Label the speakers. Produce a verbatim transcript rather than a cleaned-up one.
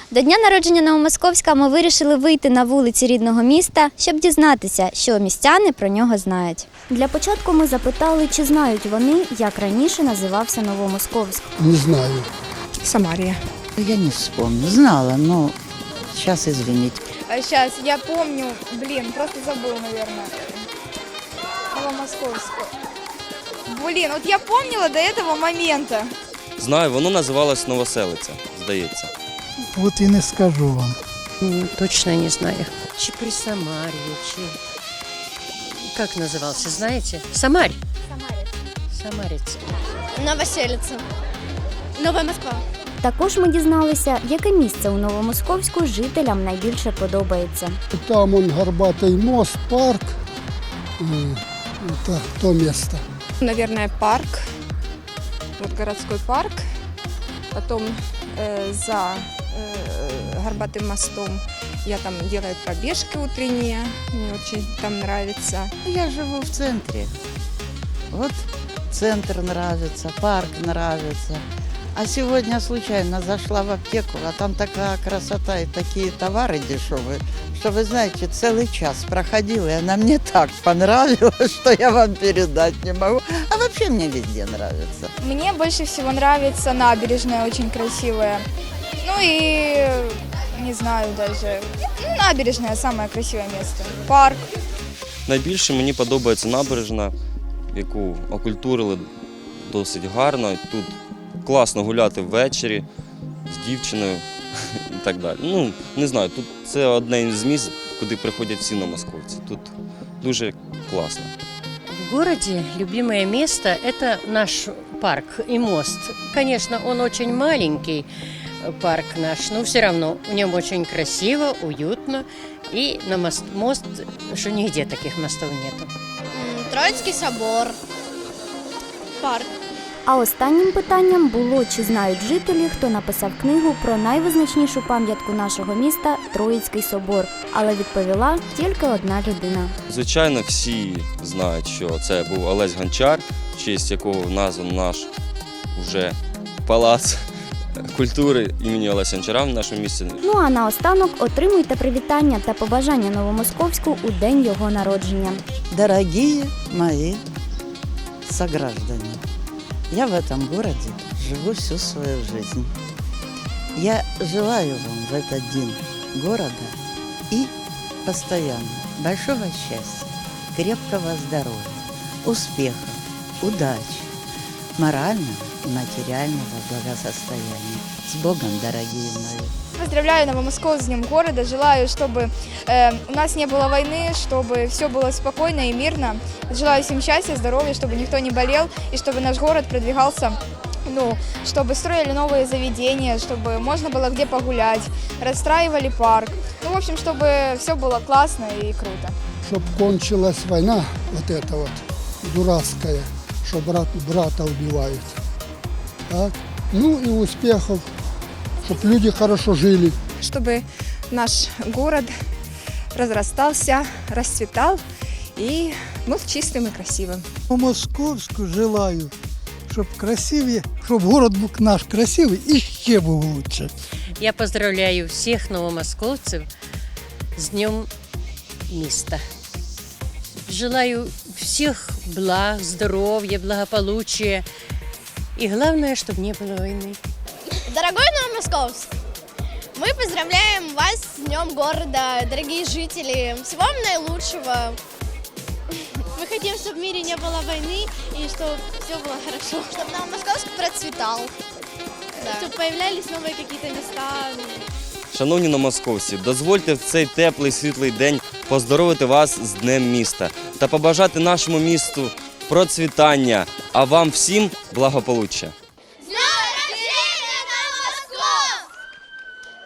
Speaker 1: До дня народження Новомосковська ми вирішили вийти на вулиці рідного міста, щоб дізнатися, що містяни про нього знають. Для початку ми запитали, чи знають вони, як раніше називався Новомосковськ.
Speaker 2: Не знаю.
Speaker 3: Самария.
Speaker 4: Я не вспомню. Знала, но сейчас извините.
Speaker 5: А сейчас, я помню, блин, просто забыл, наверное. Новомосковскую. Блин, вот я помнила до этого момента.
Speaker 6: Знаю, воно називалось Новоселиця, здається.
Speaker 2: От і не скажу вам.
Speaker 7: Точно не знаю. Чи при Самаре, чи... Как назывался, знаете? Самарь. Самарец. Самарец.
Speaker 8: Новоселиця. Нова Москва.
Speaker 1: Також ми дізналися, яке місце у Новомосковську жителям найбільше подобається.
Speaker 2: Там он горбатий мост, парк. Это то место.
Speaker 3: Наверное, парк. Вот городской парк. Потом э, за э, Горбатым мостом я там делаю пробежки утренние. Мне очень там нравится.
Speaker 4: Я живу в центре. Вот центр нравится, парк нравится. А сегодня случайно зашла в аптеку, а там такая красота и такие товары дешевые, что, вы знаете, целый час проходила, и она мне так понравилась, что я вам передать не могу. А вообще мне везде нравится.
Speaker 5: Мне больше всего нравится набережная, очень красивая. Ну и, не знаю даже, ну, набережная самое красивое место. Парк.
Speaker 6: Найбільше мені подобається набережна, яку окультурили досить гарно. Тут класно гуляти ввечері з дівчиною і так далі. Ну, не знаю, тут це одне з місць, куди приходять всі новомосковці. Тут дуже класно.
Speaker 7: В городе любимое место – это наш парк и мост. Конечно, он очень маленький, парк наш, но все равно в нем очень красиво, уютно. И на мост, мост, что нигде таких мостов нету.
Speaker 8: Троїцький собор. Парк.
Speaker 1: А останнім питанням було, чи знають жителі, хто написав книгу про найвизначнішу пам'ятку нашого міста – Троїцький собор. Але відповіла тільки одна людина.
Speaker 6: Звичайно, всі знають, що це був Олесь Гончар, в честь якого назван наш уже палац культури імені Олеся Гончара в нашому місті.
Speaker 1: Ну а наостанок отримуйте привітання та побажання Новомосковську у день його народження.
Speaker 4: Дорогие мои сограждане, я в этом городе живу всю свою жизнь. Я желаю вам в этот день города и постоянно большого счастья, крепкого здоровья, успехов, удачи, морального и материального благосостояния. С Богом, дорогие мои!
Speaker 5: Поздравляю Новомосковск с Днем города. Желаю, чтобы э, у нас не было войны, чтобы все было спокойно и мирно. Желаю всем счастья, здоровья, чтобы никто не болел и чтобы наш город продвигался, ну, чтобы строили новые заведения, чтобы можно было где погулять, расстраивали парк. Ну, в общем, чтобы все было классно и круто.
Speaker 2: Чтоб кончилась война, вот эта вот дурацкая, что брат брата убивают. Так? Ну и успехов, чтобы люди хорошо жили.
Speaker 3: Чтобы наш город разрастался, расцветал и был чистым и красивым.
Speaker 2: Московську желаю, щоб красиві, щоб город був наш красивий і ще був лучше.
Speaker 7: Я поздравляю всех новомосковцев с Днем места. Желаю всех благ, здоровья, благополучия. И главное, чтобы не было войны.
Speaker 8: Дорогой Новомосковск, мы поздравляем вас с Днем города, дорогие жители. Всего вам наилучшего. Мы хотим, чтобы в мире не было войны и чтобы все было хорошо. Чтобы Новомосковск процветал. Да. Чтобы появлялись новые какие-то места.
Speaker 6: Шановні новомосковці, дозвольте в цей теплий світлий день поздоровити вас з Днем міста та побажати нашому місту процвітання, а вам всім благополуччя.